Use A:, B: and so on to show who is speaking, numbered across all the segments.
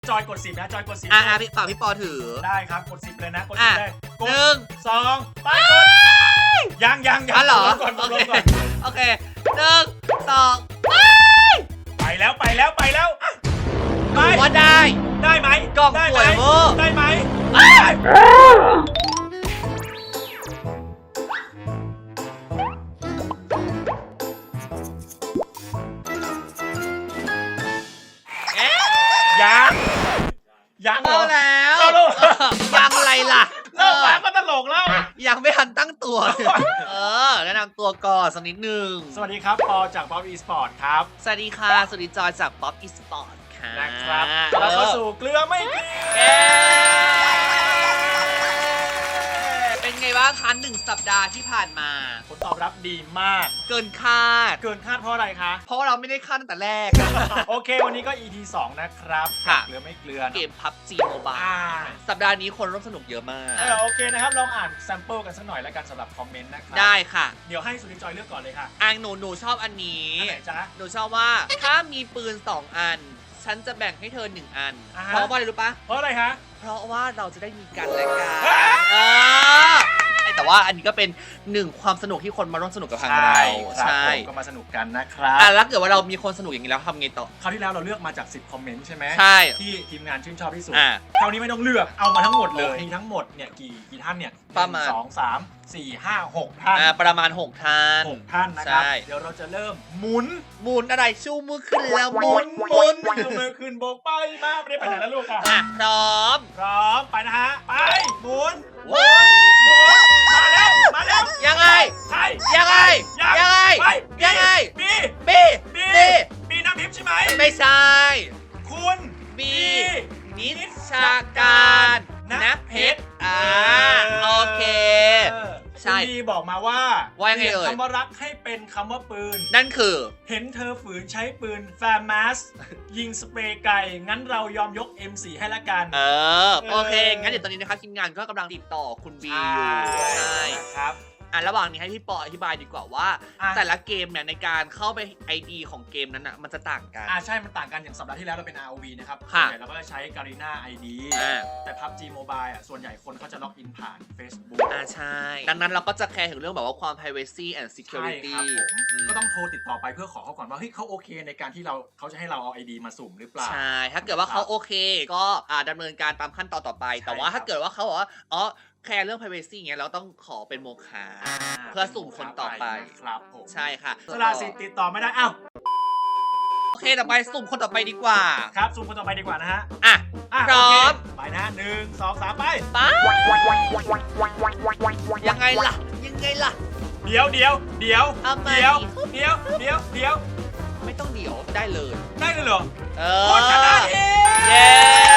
A: จอยกด10นะจอยกด10
B: พี่ฝากพี่ปอถือ
A: ได้ครับกด10เลยนะกด10เลยกด1 2ไปกดยัง
B: เหรอ
A: ก่อน
B: โอเค1 2
A: ไปแล้วไป
B: ว่าได้
A: ไหม
B: กล่องสวยเวอร์
A: ได้ไหมยัง
B: เอาแล้วยังอะไรล่ะ
A: เริ่มมาก็ตลกแล้ว
B: ยังไม่ทันตั้งตัวแนะนำตัวก่อนสักนิดนึง
A: สวัสดีครับปอจาก Pop Esport ครับ
B: สวัสดีค่ะสวัสดีจอยจาก Pop Esport ค่ะ
A: นะครับเราเข้าสู่เกลือไม่เกลือ
B: เป็นไงบ้างคะ1 สัปดาห์ที่ผ่านมา
A: ผลตอบรับดีมาก
B: เกินคาด
A: เพราะอะไรคะ
B: เพราะว่าเราไม่ได้คาดตั้งแต่แรก
A: โอเควันนี้ก็ EP 2นะครับเกลือไม่เกลือ
B: เกม PUBG Mobile สัปดาห์นี้คนร่วมสนุกเยอะมาก
A: โอเคนะครับลองอ่านแซมเปิลกันสักหน่อยแล้วกันสำหรับคอมเมนต์นะครับ
B: ได้ค่ะ
A: เดี๋ยวให้สุริจอยเลือกก่อนเลยค่ะ
B: หนูชอบอันนี้
A: ไหนจ๊ะ
B: หนูชอบว่าถ้ามีปืน2 อันฉันจะแบ่งให้เธอ1 อันเพราะว่าอะไรรู้ปะ
A: เพราะอะไรคะ
B: เพราะว่าเราจะได้มีกันและกันแต่ว่าอันนี้ก็เป็น1 ความสนุกที่คนมาร่วมสนุกกับทางเรา
A: ใช่ก็มาสนุกกันนะครับ
B: แล้วเกิดว่าเรามีคนสนุกอย่างนี้แล้วทำไงต่อ
A: คราวที่แล้วเราเลือกมาจาก10 คอมเมนต์ใช่ไหม
B: ใช่
A: ที่ทีมงานชื่นชอบที่สุดคราวนี้ไม่ต้องเลือกเอามาทั้งหมดเลยมีทั้งหมดเนี่ยกี่ท่านเนี่ย
B: ประมาณ
A: 2 3 4 5 6 ท่าน
B: ประมาณ6 ท่าน
A: นะครับเดี๋ยวเราจะเริ่มหมุน
B: อะไรชูมือขึ้นแล้วหมุน
A: มือขึ้นโบกไปมาไม่ได้ไปไหนแล้วลูกค่ะ
B: พร้อม
A: ไปนะฮะไปหมุนมาแล้ว
B: ยังไง
A: บีน้ำทิพย์ใช่ไหม
B: ไม่ใช่
A: คุณ
B: บีนิชาการนะเพชรโอเคใช่
A: บีบอกมาว่า
B: ยังไง
A: คำว่ารักให้เป็นคำว่าปืน
B: นั่นคือ
A: เห็นเธอฝืนใช้ปืนแฟร์มาสยิงสเปรย์ไก่งั้นเรายอมยก M4 ให้ละกัน
B: โอเคงั้นเดี๋ยวตอนนี้นะครับทีมงานก็กำลังติดต่อคุณบีอยู่ใช่
A: ครับ
B: ระหว่างนี้ให้พี่ปออธิบายดีกว่าว่าแต่ละเกมเนี่ยในการเข้าไป ID ของเกมนั้นอ่ะมันจะต่างกัน
A: ใช่มันต่างกันอย่างสัปดาห์ที่แล้วเราเป็น ROV นะครับส่วนใหญ่เราก็จะใช้ Garena ID แต่ PUBG Mobile ส่วนใหญ่คนเขาจะล็อกอินผ่าน Facebook
B: ใช่ดังนั้นเราก็จะแคร์ถึงเรื่องแบบว่าความ privacy and security
A: ก็ต้องโทรติดต่อไปเพื่อขอเขาก่อนว่าเฮ้ยเขาโอเคในการที่เขาจะให้เราเอา ID มาสุ่มหรือเปล่า
B: ใช่ถ้าเกิดว่าเขาโอเคก็ดำเนินการตามขั้นตอนต่อไปแต่ว่าถ้าเกิดว่าเขาบอกว่าแคร์เรื่อง privacy อย่างเงี้ยเราต้องขอเป็นโมฆะเพื่อสุ่มคนต่อไป
A: ครับผม
B: ใช่ค่ะ
A: สละสิทธิ์ติดต่อไม่ได้
B: โอเคต่อไปสุ่มคนต่อไปดีกว่า
A: ครับสุ่มคนต่อไปดีกว่านะฮะ
B: พร้อม
A: ไปนะ1 2 3ไป
B: ยังไงล่ะ
A: เดี๋ยว
B: ไม่ต้องเดี๋ยวได้เลย
A: เหรอ
B: คนชนะเย้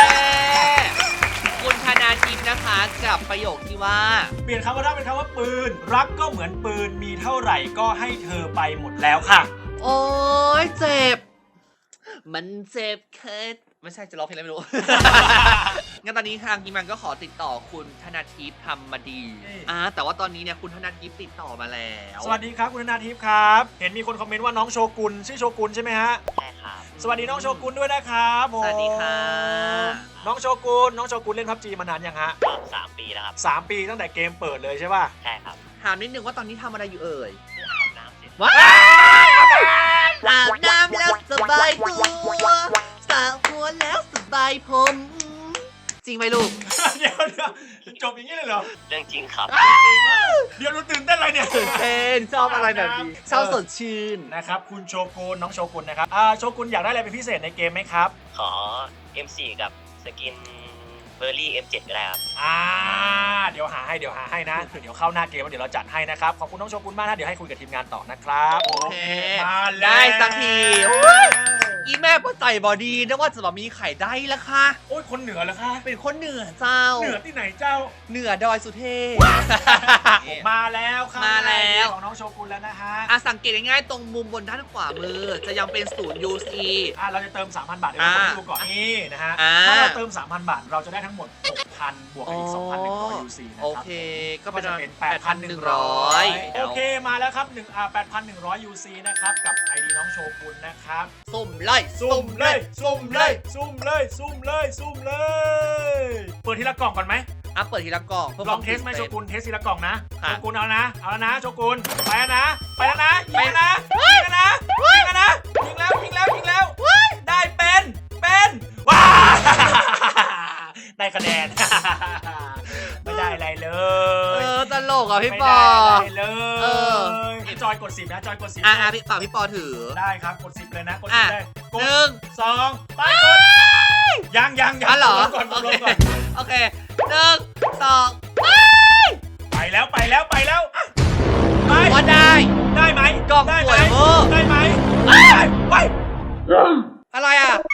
B: คุณธนาทิพย์นะคะกับประโยคที่ว่า
A: เปลี่ยนคำว่ารักเป็นคำว่าปืนรักก็เหมือนปืนมีเท่าไหร่ก็ให้เธอไปหมดแล้วค่ะ
B: โอ้ยเจ็บมันเจ็บแค่ไม่ใช่จะร้องเพลงอะไรไม่รู้ งั้นตอนนี้ทางทีมงานก็ขอติดต่อคุณธนาทิพย์ทำมาดีแต่ว่าตอนนี้เนี่ยคุณธนาทิพย์ติดต่อมาแล้ว
A: สวัสดีครับคุณธนาทิพย์ครับเห็นมีคนคอมเมนต์ว่าน้องโชกุนชื่อโชกุนใช่ไหมฮะ
C: ใช่ครับ
A: สวัสดีน้องโชกุนด้วยนะครับ
B: สวัสดีค่ะ
A: น้องโชกุนเล่น PUBG มานานยังฮะ
C: 3 ปีแล้วครับ
A: 3 ปีตั้งแต่เกมเปิดเลยใช่ป่ะ
C: ใช่ครับ
B: ถามนิดนึงว่าตอนนี้ทำอะไรอยู่เอ่ย
C: อาบน้ำเสร็จ
B: อาบน้ำแล้วสบายตัวสระหัวแล้วสบายผมจริงไหมลูก
A: เดี๋ยวจบอย่างนี้เลยเหรอ
C: เรื่องจริงครับ
A: เดี๋ยวรู้ตื่นเต้นอะไรเนี่ย
B: ตื่นเต้นชอบอะไรแบบนี้ชอบสดชื่น
A: นะครับคุณโชกุนน้องโชกุนนะครับโชกุนอยากได้อะไรเป็นพิเศษในเกมไหมครับ
C: ขอ M4 กับสกินเบอร์รี่ M7 ก็ได้ครับ
A: เดี๋ยวหาให้นะเดี๋ยวเข้าหน้าเกมแล้วเดี๋ยวเราจัดให้นะครับขอบคุณน้องโชกุนมากนะเดี๋ยวให้คุยกับทีมงานต่อนะครับ
B: โอเคได้สักทีอีแม่ป้าใจบอดีนะว่าจะแบบมีไข่ได้ละค่ะ
A: โอ้ยคนเหนือเหรอคะ
B: เป็นคนเหนือเจ้า
A: เหนือที่ไหนเจ้า
B: เหนือดอยสุเทพ
A: มาแล้วค่ะ
B: มาแล้ว
A: ของน้องโชกุนแล้วนะฮะ
B: สังเกตง่ายๆตรงมุมบนด้านขวามือจะยังเป็น0 UC
A: เราจะเติม 3,000 บาทเดี๋ยวเราดูก่อนนี่นะฮะถ้าเราเติม 3,000 บาทเราจะได้ทั้งหมด 6,000 บวกอีก 2,100 UC นะครับ
B: โอเคก็เป็น
A: 8,100 โอเคมาแล้วครับ8,100 UC นะครับกับ ID น้องโชกุนนะครับ
B: สุ่มรเลย
A: ซุ่มเลย เปิดทีละกล่องก่อนไหม
B: อ่ะเปิดทีละกล่อง
A: ลองเทสไหมโชกุนเทสทีละกล่องนะ
B: ค่ะ
A: โชกุนเอาแล้วนะโชกุนไปแล้วนะยิงแล้วนะยิงแล้วได้เป็นว้าได้คะแนน ไม่ได้อะไรเลย
B: ตลกอ่ะพี่
A: ไม่
B: ป
A: ได้
B: อ
A: อะไรเลย
B: เอ
A: จอยกด10นะจอยกด10
B: พี่ฝากพี่ปอถือ
A: ได้ครับกด10เลยนะกด
B: อ่ะ
A: 10เลยกด
B: 1
A: 2ไปกดยัง
B: อ๋อเหรอ
A: ก่อน
B: โอเค
A: ก่อน
B: โอเค1 2
A: ไปแล้วไป
B: ว่าได้
A: ได้ไหม
B: กล่อง
A: ได้
B: ส
A: ไหม
B: วยเวอร์
A: ได้ไหมไป
B: อะไรอ่ะ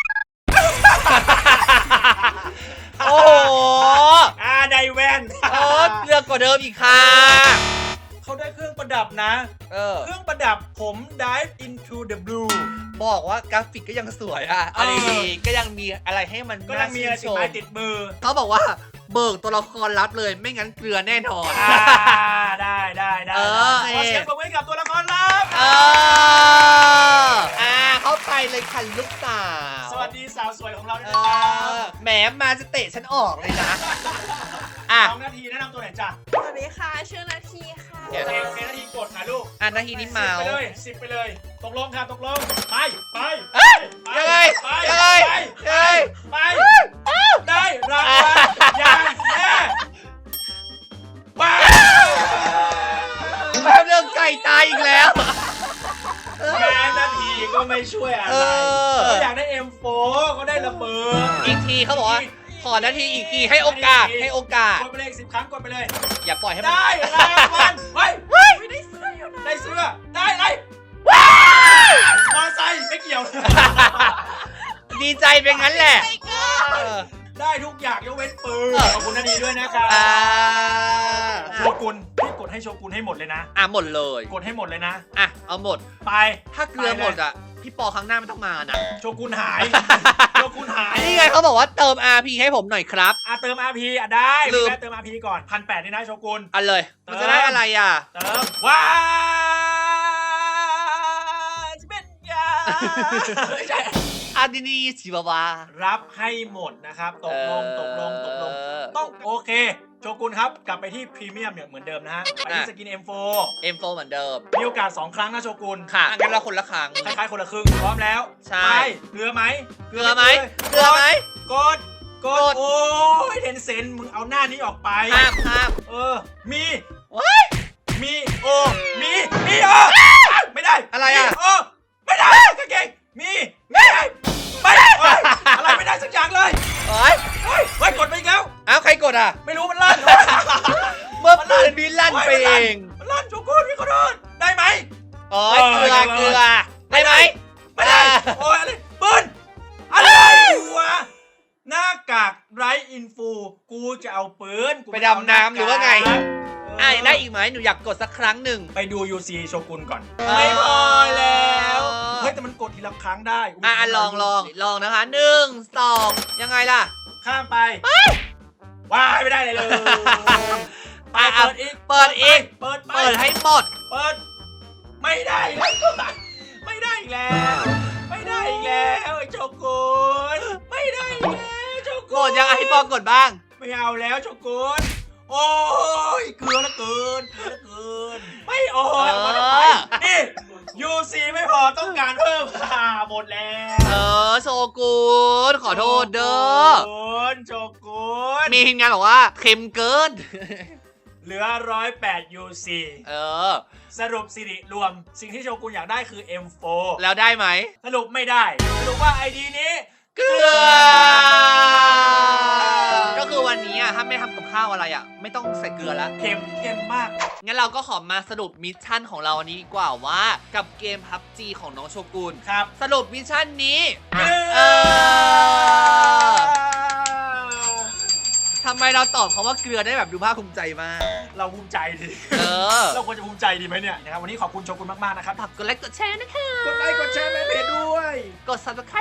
B: โอ้โห
A: ได้แว่น
B: เลือกกว่าเดิมอีกค่ะ
A: เขาได้เครื่องประดับนะ เครื่องประดับผม dive into the blue
B: บอกว่ากราฟิกก็ยังสวยอ่ะอะไรดีก็ยังมีอะไรให้มัน
A: ก็ยังมีอะไรติดไม้ติดมือ
B: เขาบอกว่าเบิกตัวละครลับเลยไม่งั้นเกลือแน่นอน
A: ได้ขอเสียงปรบมือให้กับตัวละครลับ
B: เข้าไปเลยค่ะลูกสาว
A: สวัสดีสาวสวยของเราด้วยนะครับ
B: แหมมาจะเตะฉันออกเลยนะ
A: 2 นาทีแนะนำตัวหน่อยจ้ะ
D: สวัสดีค่ะ ชื่อนาทีค่ะ
A: โอเคนาทีกดนะลูก
B: นาทีนี้เมา
A: 10 ไปเลย ตกลงครับตกลง ไป
B: ยังไง
A: ไป ได้รางวัลอย่างแน่ว้าว
B: แป๊บเรื่องไก่ตายอีกแล้ว
A: แม่นาทีก็ไม่ช่วยอะไรเขาอยากได้ M4 เขาได้ระเบิด
B: อีกทีเขาบอกว่าขอนาทีอีกทีให้โอกาส
A: กดไปเลย10 ครั้งกดไปเลย
B: อย่าปล่อยให้มัน
A: ได้รางวัลเฮ้ย
D: ไม่ได้เสื้ออยู่นะ
A: ได้เสื้อได้อะไรมอไซค์ไม่เกี่ยว
B: ดีใจเป็นงั้นแหละ
A: ได้ทุกอย่างยกเว้นปืนขอบคุณนาทีด้วยนะครับโชกุนพี่กดให้โชกุนให้หมดเลยนะ
B: หมดเลย
A: กดให้หมดเลยนะ
B: เอาหมด
A: ไป
B: ถ้าเกลือหมดพี่ปอครั้งหน้าไม่ต้องมานะ
A: โชกุนหายโชกุนหาย
B: นี่ไงเขาบอกว่าเติม RP ให้ผมหน่อยครับ
A: เติม RP ได้
B: ลืม
A: แม่เติม RP ก่อน 1,800นี่นะโชกุน
B: อันเลย มันจะได้อะไรอ่ะ
A: เติมว้าจะเป็นยาไม่ใช่
B: อาดินีชิวาวา
A: รับให้หมดนะครับตกลงต้องโอเคโชกุนครับกลับไปที่พรีเมียมเนี่ยเหมือนเดิมนะฮะไปที่สกิน M4
B: M4 เหมือนเดิม
A: มีโอกาส2 ครั้งนะโชกุน
B: ค่ะงั้นเราคนละครั้ง
A: คล้ายๆคนละครึ่งพร้อมแล้ว
B: ใช่
A: ไปเกลือไหม
B: เกลือไหมเกลือไหม
A: กดโอ้ยเทนเซนมึงเอาหน้านี้ออกไป
B: ห้าม
A: มี
B: ว้าย
A: มีไม่ได้
B: อะไรอ่ะ
A: มีไม่ได้กางเกงมีไม่ได้อะไรไม่ได้สักอย่างเลย
B: เฮ้ย
A: กดไปอีกแล้ว
B: ใครกดอ่ะ
A: ไม่รู้มันลั่น
B: เมื่อปืนบินลั่นไปเอง
A: มันลั่นโชกุนพี่ขอโทษได้ไหม
B: เกลือได้ไหม
A: ไม่ได้โอ้ยอะไรปืนอะไรวะหน้ากากไรอินฟูกูจะเอาปืน
B: ไปดำน้ำหรือว่าไงได้อีกไหมหนูอยากกดสักครั้งหนึ่ง
A: ไปดู UC โชกุนก่อนไม่พอแล้วเฮ้ยแต่มันกดทีละครั้งได้
B: ลองนะคะ1 2ยังไงล่ะ
A: ข้ามไปว้ายไม่ได้เลยเปิดอีกเปิด
B: ให้หมด
A: เปิดไม่ได้แล้วไม่ได้อีกแล้วไอ้โชกุนไม่ได้แล้วโชกุน
B: กดยังไงให้ปอกดบ้าง
A: ไม่เอาแล้วโชกุนโอ้ยเกลือละเกินไม่โอ้ยนี่ UC ไม่พอต้องการเพิ่มหมดแล้ว
B: โชกุนขอโทษเด้อ
A: โชกุน
B: มีทีมงานบอกว่าเค็มเกิน
A: เหลือ108 UC สรุปสิริรวมสิ่งที่โชกุนอยากได้คือ M4
B: แล้วได้ไหม
A: สรุปไม่ได้สรุปว่า ID นี้
B: เกลือก็คือวันนี้ถ้าไม่ทำกับข้าวอะไรไม่ต้องใส่เกลือแล้ว
A: เค็มมาก
B: งั้นเราก็ขอมาสรุปมิชชั่นของเราวันนี้ดีกว่าว่ากับเกม PUBG ของน้องโชกุน
A: ครับ
B: สรุปมิชชั่นนี้ทำไมเราตอบเขาว่าเกลือได้แบบดูภาคภูมิใจมาก
A: เราภูมิใจดิเราควรจะภูมิใจดีไหมเนี่ยนะครับวันนี้ขอบคุณโชกุนมากๆนะครับ
B: ฝากกดไลค์กดแชร์นะคะ
A: กดไลค์กดแชร์แม่เพจด้วย
B: กด Subscribe